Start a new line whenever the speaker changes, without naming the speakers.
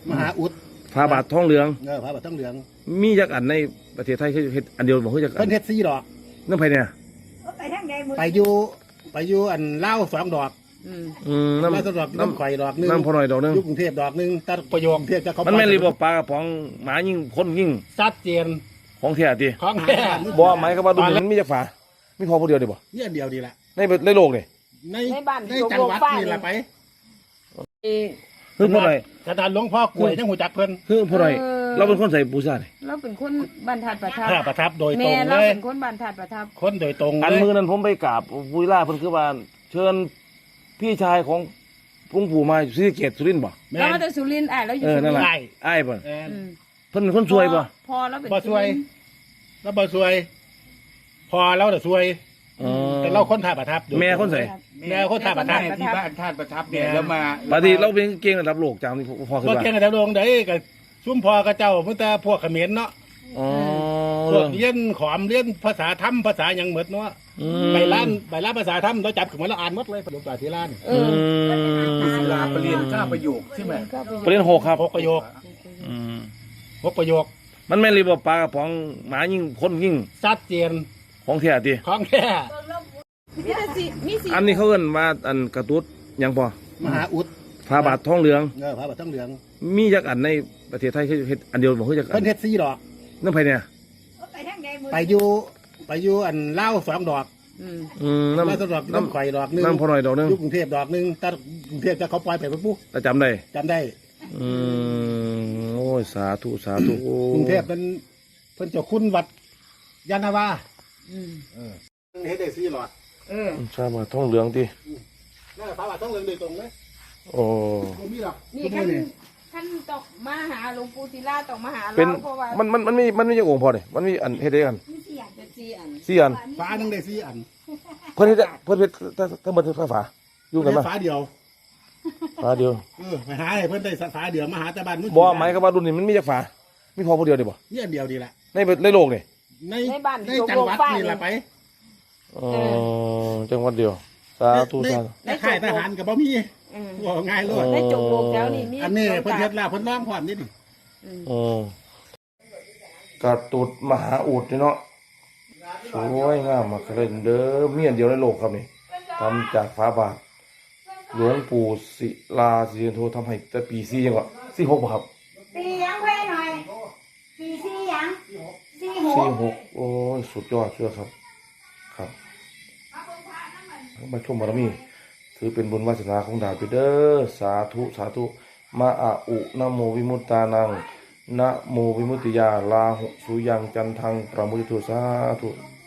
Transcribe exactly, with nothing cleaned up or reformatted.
มหาอุด
พระบาททองเหลือง
เออพระบาททองเหลือง
มีจักอันในประเทศไทยคือเฮ็ดอันเดียวบ่คือจักอั
เพิ่
น
นเฮ็ดสี่ดอก
นั่นไผเนี่ย
ไปทางใดมื้อ
ไปอยู่ไปอยู่อันเล่าวสองดอก
อืม
อืม
เล่าว
น้ำ
สองดอกน้ำข่อยดอกหนึง
น้ำพอหน่อยดอกหนึง
อยู่กรุงเทพดอกหนึงตัดประโยคเทพจะเขา
มันแม่นรีบ่ปลากระป๋องหมายิงคนยิง
ชัดเจน
ของแท้ติ
ของแท้
บ่หมายก็ว่าดุนมันมีจักฝามีพอผู้เดียวดิบ่
นี่อันเดียวดีละ
ในในโลกนี่
ในในจังหวัดนี่ละไป
คือผู้ใด
ขนาดหลวงพ่อกล้วยยังหูจักเพิ่น
คือผู้ใดเราเป็นคนใส่ปูซ่านี่
เราเป็นคนบรรทัดประทับ
พระประทับโดยตร
แม่
งเล
เรา
ย
เป็นคนบรรทัดประทับ
คนโดยตรง
อัน
เลย
มือนั้นผมไปกราบปุยล่าเพิ่นคือว่าเชิญพี่ชายของหลวงปู่มาศรีสะเกษสุรินทร์บ่
แม่
เรา
น
มาจากสุรินทร์อ่ะเราอยู่
เออ
สุริ
นั่
น
น
ท
แหละ
ร์
ได้
อ้ายบ่
แม่น
อืม
เพิ่นเป็นคนสวยบ่
พอเราเป็น
บ่สวย แล้วบ่สวย พอเราแต่ะสวย
อ๋อ
แต่เราคนท่าประทับอยู่
แม่คนใส่
แม่คนท่าประทับ
ที่บ้านท่านประทับเนี่ยแล้วมา
ปกติเราเป็นเก่งระดับโลกจังนี่พอคือ
บ่
ว่า
เก่งแต่ดวงใดก็ซุ่มพอกระเจ้าเมื่อแต่พวกเขมรเนาะ
อ๋อ
พวกเรียนขอมเรียนภาษาธรรมภาษาหยังหมดเนาะ
อืม
ไปร้านไปร้านภาษาธรรมเราจับขึ้นมาแล้วอ่านหมดเลยประโยคปาที่ร้าน
เอ
อื
อ
ม
ศิลาประเรียนเก้าประโยคใช่ไหม
ประเด็นหกครับ
หกประโยค
อืม
หกประโยค
มันแม่นรีบ่ปลากระป๋องหมายิงคนยิง
ชัดเจน
ของแท้ติ
ของแท้
มีแต่สิมีสิ
อันนี้เขาเอิ้นว่าอันกระตุ้ดหยังพอ
มหาอุด
พระบาททองเหลือง
เออพระบาททองเหลือง
มีจักอันในประเทศไทยคือเฮ็ดอันเดียวบ่คือจักอั
เพิ่
น
นเฮ็ดสี่ดอก
นั่นไผเนี่ย
ไปทางใดมื้อ
ไปอยู่ไปอยู่อันเล่าวสองดอก
อืม
อืม
เล่าว
น้ำ
สองดอก
น้
น้ำข่อยดอกหนึง
ำน้ำพอหน่อยดอกหนึง
อยู่กรุงเทพดอกหนึงตัดกรุงเทพจะเขาปล่อยไปปุ๊บ
แต่จำได้
จำได้
อืมโอ้ยสาธุสาธุโอ้
กรุงเทพเป็นเพิ่นเจะคุ้นวัดยานนาวา
อืม
เฮ็ดได้สี่หลอด
เออ
ชาบาททองเหลืองติ
นั่นแหละพระบาททองเหลืองโดยตรงเลย
โอ้
บ่มีหรอก
นี่
ทุก
ท่า
มื้อน นี่
ท่านต้องมาหาหลวงปู่ศิลาต้องมาหา
เป็น
เราเพราะว่า
มันมันมันมีมันมีจักองค์พอนี่มันมีอันเฮ็ดได้กัน
มีสี่อันเป็นสี่อัน
สี่อัน
ฟ้าหนึงได้สี่อัน
เพิ่นเฮ็ดได้เพิ่นเฮ็ดถ้าถ้าหมดฝาฝาอยู่กัน
เฮ็
มา
ดฟ้าเดียว
ฝาเดียว
เออไปหาให้เพิ่นได้ฟ้าเดียวมาหาแต่บ้านมื้อ
บ่หมายก็ว่ารุ่นนี้มันมีจักฝามีพอผู้เดียวดิบ่
นี่อันเดียวดีละ
ในในโลกนี่
ใน
ในบ้าน
ในจังหวัดนี่ละไป
อ๋อจังหวัดเดียวสาธุ
ใน
สาธุ
ในค่ายทหารก็บ่มี
อืม
ว่าง่ายเลย
ในจงโลกแถวนี้มี
อันนี้เพิ่นเฮ็ดแล้วเพิ่นร้องพร้อมนี่นี่
อืม
อ๋อกระตุดมหาอุดนี่เนาะสวยงามมากเลยเด้อมีอันเดียวในโลกครับนี่ทำจากฝาบาทหลวงปู่ศิลาสิริโททำให้แต่ปีสี่ยังก็สี่หกบ่ครับ
ปียังเพ่หน่อยปีสี่ยังสี่ห
สี่
ก
หกโอ้ยสุดยอดเชื่อครับ ครับมาชมบารมี ถือเป็นบุญวาสนาของดาวไปเด้อสาธุสาธุมาอะอุนะโมวิมุตตานังนะโมวิมุตติยาลาหุสุยังจันทังประมุติตุสาธุ